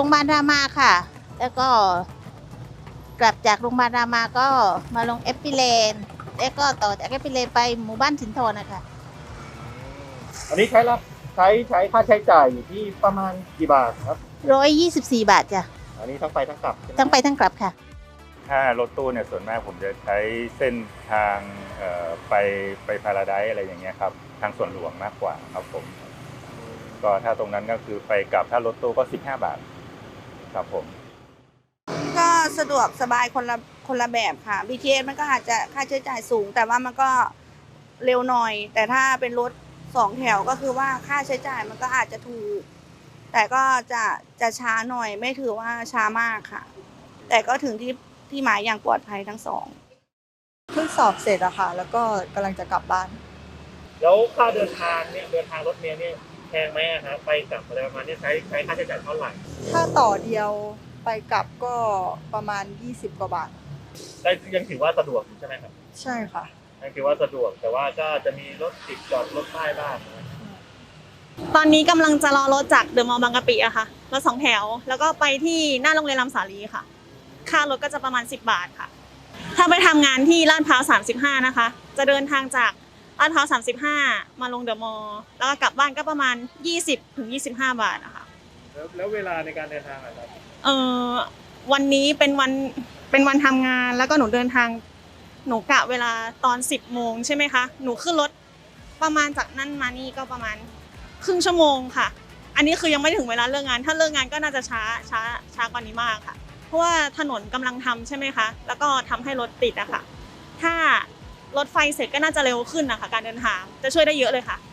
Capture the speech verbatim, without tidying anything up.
รงพยาบาลรามาค่ะแล้วก็กลับจากโรงพยาบาลรามาก็มาลงเอพิเลนแล้วก็ต่อจากเอพิเลนไปหมู่บ้านสินทรนะคะอันนี้ใช้รับใช้ใช้ค่าใช้จ่ายอยู่ที่ประมาณกี่บาทครับร้อยยี่สิบสี่บาทจ้ะอันนี้ทั้งไปทั้งกลับทั้งไปทั้งกลับค่ะถ้ารถตู้เนี่ยส่วนมากผมจะใช้เส้นทางไปไปพาราไดซ์อะไรอย่างเงี้ยครับทางส่วนหลวงมากกว่าครับผมก็ถ้าตรงนั้นก็คือไปกลับถ้ารถตู้ก็สิบห้าบาทครับผมก็สะดวกสบายคนละคนละแบบค่ะ บี ที เอส มันก็อาจจะค่าใช้จ่ายสูงแต่ว่ามันก็เร็วหน่อยแต่ถ้าเป็นรถสองแถวก็คือว่าค่าใช้จ่ายมันก็อาจจะถูกแต่ก็จะจะช้าหน่อยไม่ถือว่าช้ามากค่ะแต่ก็ถึงที่ที่หมายอย่างปลอดภัยทั้งสองเพิ่งสอบเสร็จอะค่ะแล้วก็กำลังจะกลับบ้านแล้วค่าเดินทางเนี่ยเดินทางรถเมล์เนี่ยแพงไหมครับไปกลับอะไรประมาณนี้ใช้ใช้ค่าใช้จ่ายเท่าไหร่ถ้าต่อเดียวไปกลับก็ประมาณยี่สิบกว่าบาทได้ยังถือว่าสะดวกอยู่ใช่ไหมครับใช่ค่ะยังถือว่าสะดวกแต่ว่าก็จะมีรถติดจอดรถป้ายบ้างตอนนี้กำลังจะรอรถจากเดอะมอลล์บางกะปิอะค่ะรถสองแถวแล้วก็ไปที่หน้าโรงเรียนลำสาลีค่ะค่ารถก็จะประมาณสิบบาทค่ะถ้าไปทำงานที่ลาดพร้าวสามสิบห้านะคะจะเดินทางจากลาดพร้าวสามสิบห้ามาลงเดอะมอลล์แล้วก็กลับบ้านก็ประมาณยี่สิบถึงยี่สิบห้าบาทนะคะแล้วแล้วเวลาในการเดินทางอะไรเอ่อวันนี้เป็นวันเป็นวันทำงานแล้วก็หนูเดินทางหนูกะเวลาตอนสิบโมงใช่ไหมคะหนูขึ้นรถประมาณจากนั่นมานี่ก็ประมาณครึ่งชั่วโมงค่ะอันนี้คือยังไม่ถึงเวลาเลิกงานถ้าเลิกงานก็น่าจะช้าช้าช้ากว่านี้มากค่ะเพราะว่าถนนกำลังทำใช่ไหมคะแล้วก็ทำให้รถติดอะค่ะถ้ารถไฟเสร็จก็น่าจะเร็วขึ้นนะคะการเดินทางจะช่วยได้เยอะเลยค่ะ